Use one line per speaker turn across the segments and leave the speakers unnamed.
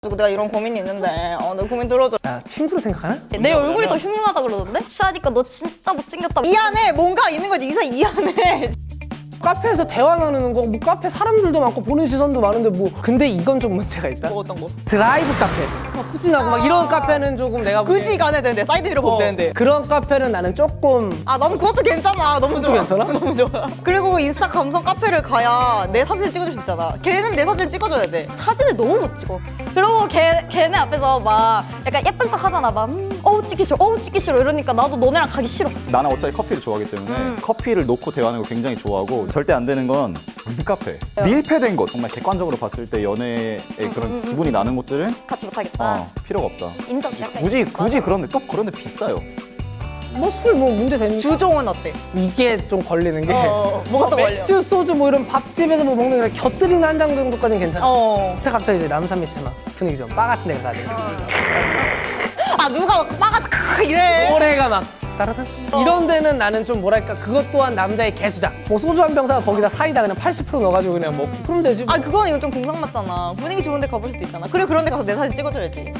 내가 이런 고민이 있는데 너 고민 들어줘.
야, 친구로 생각하나?
내 얼굴이 더 흉흉하다 그러던데? 취하니까 너 진짜 못생겼다.
이 안에 뭔가 있는 거지. 이 안에.
카페에서 대화 나누는 거, 뭐 카페 사람들도 많고 보는 시선도 많은데 뭐 근데 이건 좀 문제가 있다.
뭐 어떤 거?
드라이브 카페 막 후진하고 막 이런 카페는 조금 내가 보기엔
그지 가야 되는데 사이드미러 보면 되는데.
그런 카페는 나는 조금
너무 그것도 괜찮아. 너무 좋아.
괜찮아?
너무 좋아. 그리고 인스타 감성 카페를 가야 내 사진을 찍어줄 수 있잖아. 걔는 내 사진을 찍어줘야 돼.
사진을 너무 못 찍어. 그리고 걔네 앞에서 막 약간 예쁜 척 하잖아. 막 어우 찍기 싫어, 어우 찍기 싫어 이러니까 나도 너네랑 가기 싫어.
나는 어차피 커피를 좋아하기 때문에 커피를 놓고 대화하는 거 굉장히 좋아하고 절대 안 되는 건 룸카페. 밀폐된 것. 정말 객관적으로 봤을 때 연애의 그런 기분이 나는 곳들은
같이 못하겠다.
필요가 없다.
인정. 약간
굳이 그런데 또 그런데 비싸요.
뭐 술 뭐 문제 되는 게
주종은 어때?
이게 좀 걸리는 게
뭐가 또 걸려?
맥주, 소주 뭐 이런 밥집에서 뭐 먹는 게 곁들이는 한 장 정도까지는 괜찮아. 근데 갑자기 이제 남산 밑에 막 분위기 좀 바 같은 데가 가야 돼.
누가 빠가 이래.
노래가 막 따라란 이런 데는 나는 좀 뭐랄까 그것 또한 남자의 개수작. 뭐 소주 한 병 사 거기다 사이다 그냥 80% 넣어가지고 그냥 먹고 그러면 되지.
그건 이거 좀 공상 맞잖아. 분위기 좋은데 가볼 수도 있잖아. 그래 그런 데 가서 내 사진 찍어줘야지.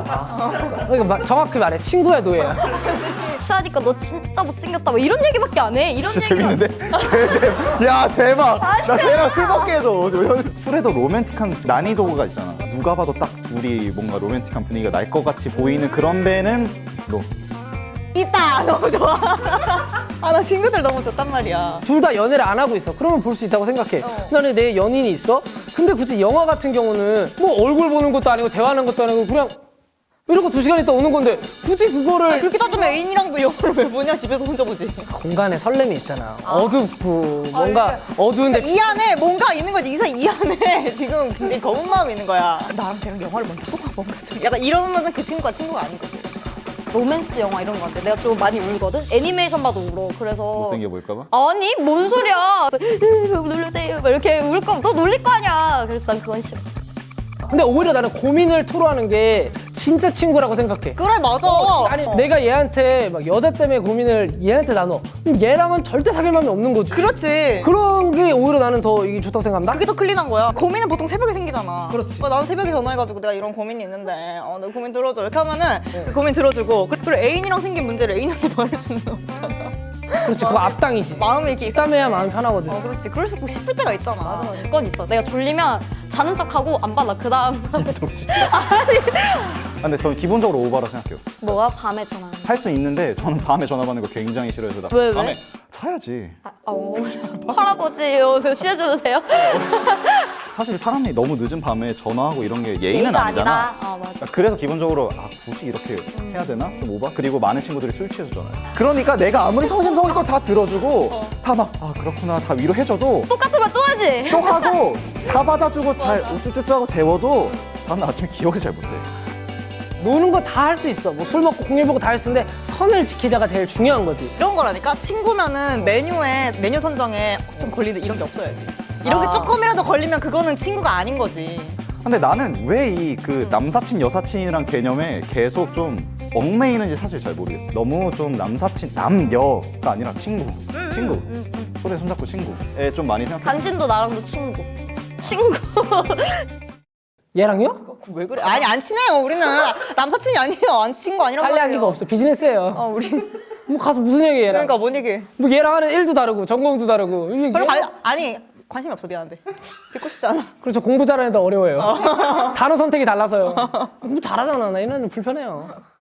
그러니까 정확히 말해 친구야 노예야.
취하니까 너 진짜 못생겼다. 막 이런 얘기밖에 안 해. 이런
진짜
얘기만.
재밌는데? 야 대박! 나 걔랑 술 먹게 해줘. 술에도 로맨틱한 난이도가 있잖아. 누가 봐도 딱 둘이 뭔가 로맨틱한 분위기가 날 것 같이 보이는 그런 데는 너.
있다. 너무 좋아. 나 친구들 너무 좋단 말이야.
둘 다 연애를 안 하고 있어. 그러면 볼 수 있다고 생각해. 나는 내 연인이 있어. 근데 굳이 영화 같은 경우는 뭐 얼굴 보는 것도 아니고 대화하는 것도 아니고 그냥 이러고 2시간 있다 오는 건데 굳이 그거를
그렇게 따지면 애인이랑도 영화를 왜 보냐? 집에서 혼자 보지.
공간에 설렘이 있잖아. 어둡고 뭔가 어두운데
이 안에 뭔가 있는 거지. 이 안에 지금 굉장히 검은 마음이 있는 거야. 나랑 걔랑 영화를 먼저 보고 뭔가 좀 약간 이러면은 그 친구가 친구가 아닌 거지.
로맨스 영화 이런 거 같아. 내가 좀 많이 울거든. 애니메이션 봐도 울어. 그래서
못생겨 보일까 봐?
아니 뭔 소리야. 놀래세요. 막 이렇게 울 거면 너 놀릴 거 아니야. 그래서 난 그건 싫어.
근데 오히려 나는 고민을 토로하는 게 진짜 친구라고 생각해.
그래 맞아.
아니 내가 얘한테 막 여자 때문에 고민을 얘한테 나눠. 그럼 얘랑은 절대 사귈 마음이 없는 거지.
그렇지.
그런 게 오히려 나는 더 이게 좋다고 생각한다.
그게 더 클린한 거야. 고민은 보통 새벽에 생기잖아.
그렇지.
나는 새벽에 전화해가지고 내가 이런 고민이 있는데 너 고민 들어줘 이렇게 하면은 그 고민 들어주고 그리고 애인이랑 생긴 문제를 애인한테 말할 수는 없잖아.
그렇지. 그거 앞당이지.
마음이 이렇게 있어.
땀해야 마음이 편하거든.
그렇지. 그럴 수 있고 싶을 때가 있잖아.
그건 있어. 내가 졸리면 자는 척하고 안 받아. 그 다음
있어 진짜. 근데 저는 기본적으로 오바라 생각해요.
뭐야? 밤에 전화.
할 수 있는데 저는 밤에 전화 받는 거 굉장히 싫어해서 나
왜?
밤에 자야지.
할아버지요. 쉬어주도 돼요?
사실 사람이 너무 늦은 밤에 전화하고 이런 게 예의는
예의가
아니잖아.
아니다. 맞아.
그래서 기본적으로 굳이 이렇게 해야 되나? 좀 오바? 그리고 많은 친구들이 술 취해서 전화해. 그러니까 내가 아무리 성심성의껏 다 들어주고 다 막 그렇구나 다 위로해줘도
똑같은 말 또 하지?
또 하고 다 받아주고 잘 우쭈쭈쭈 하고 재워도 다음날 아침에 기억을 잘 못해.
노는 거 다 할 수 있어. 뭐 술 먹고 공일 보고 다 할 수 있는데 선을 지키자가 제일 중요한 거지.
이런 거라니까 친구면은 메뉴 선정에 좀 걸리는 이런 게 없어야지. 이런 게 조금이라도 걸리면 그거는 친구가 아닌 거지.
근데 나는 왜 이 그 남사친 여사친이란 개념에 계속 좀 얽매이는지 사실 잘 모르겠어. 너무 좀 남사친 남여가 아니라 친구. 손에 손잡고 친구에 좀 많이 생각해.
당신도 나랑도 친구. 친구.
얘랑요?
왜 그래? 아니 안 친해요. 우리는 남사친이 아니에요. 안 친구 아니라고.
할 이야기가 없어. 비즈니스예요.
우리
뭐 가서 무슨 얘기 얘랑.
그러니까 뭔 얘기?
뭐 얘랑 하는 일도 다르고 전공도 다르고. 이게
별로 아니 관심이 없어. 미안한데 듣고 싶지 않아.
그렇죠. 공부 잘하는 애도 어려워요. 단어 선택이 달라서요. 공부 잘하잖아. 나 이런 애는 불편해요.